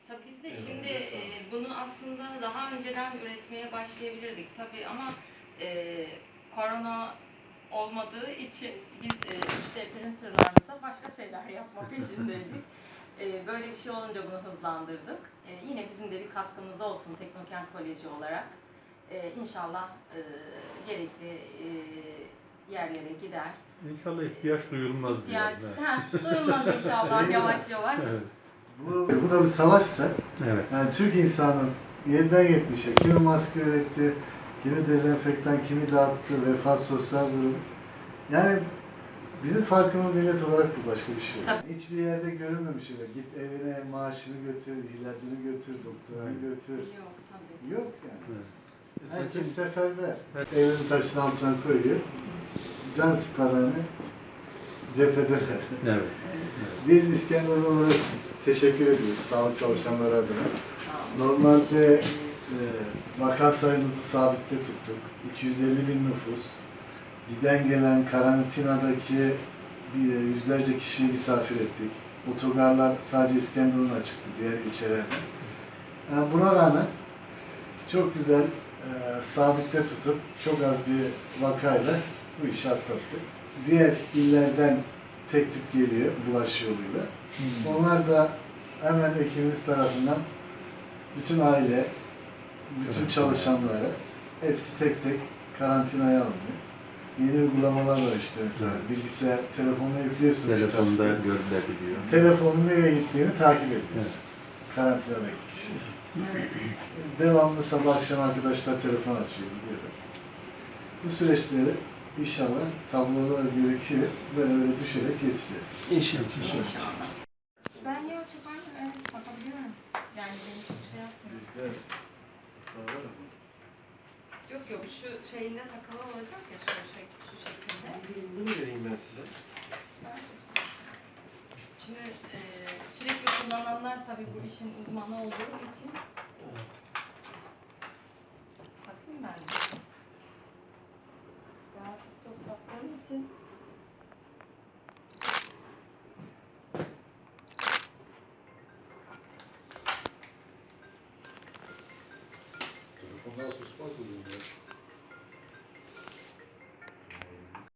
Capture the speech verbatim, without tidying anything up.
Tabii biz de Evet, şimdi evet, e, bunu aslında daha önceden üretmeye başlayabilirdik tabii ama e, korona olmadığı için biz e, işte printerlarsa başka şeyler yapma peşindeydik. E, böyle bir şey olunca bunu hızlandırdık. E, yine bizim de bir katkımız olsun Teknokent Koleji olarak. E, İnşallah e, gerekli e, yerlere gider. İnşallah ihtiyaç duyulmaz İhtiyaç, diyelim. heh, duyulmaz inşallah yavaş yavaş. Evet. Bu, bu da bir savaşsa, Evet. yani Türk insanın yediden yetmişe kimi maske üretti, kimi dezenfektan, kimi dağıttı, vefat, sosyal durum. Yani bizim farkımız millet olarak bu, başka bir şey yok. Hiçbir yerde görülmemiş öyle. Git evine maaşını götür, ilacını götür, doktorunu götür. Yok tabii. Yok yani. Evet. Herkes seferber. Evet. Evini taşın altına koyuyor. Can siparhane cephedeler. Evet. Biz İskenderun olarak teşekkür ediyoruz sağlık çalışanları adına. Sağ olun. Normalde e, vaka sayımızı sabitte tuttuk. iki yüz elli bin nüfus. Giden gelen karantinadaki bir, yüzlerce kişiyi misafir ettik. Otogarlar sadece İskenderun'a çıktı, diğer ilçelerden. Yani buna rağmen çok güzel e, sabitte tutup çok az bir vakayla bu işi atlattık. Diğer illerden tek tük geliyor bulaş yoluyla. Hmm. Onlar da hemen ekibimiz tarafından bütün aile, bütün evet, çalışanları hepsi tek tek karantinaya alınıyor. Yeni uygulamalar var işte mesela. Evet. Bilgisayar, telefonuna yüklüyorsun. Telefonda görülebiliyor. Telefonun nereye gittiğini takip ediyorsun. Evet. Karantinadaki kişi. Evet. Devamlı sabah akşam arkadaşlar telefon açıyor, gidiyorlar. Bu süreçleri inşallah tabloda gözüküyor. Böyle böyle düşerek geçeceğiz. İnşallah. İnşallah. Ben yok çok aynı evet bakabiliyorum. Yani beni çok şey yapmıyor. Bizde var ama. Yok yok şu şeyinde takılı olacak ya şu, şek şu şekilde. Bunu vereyim ben size. Şimdi e, sürekli kullananlar tabii bu işin uzmanı olduğu için. Bakayım ben de. Ya çok baktığım için. Telefonlar susmak oluyor.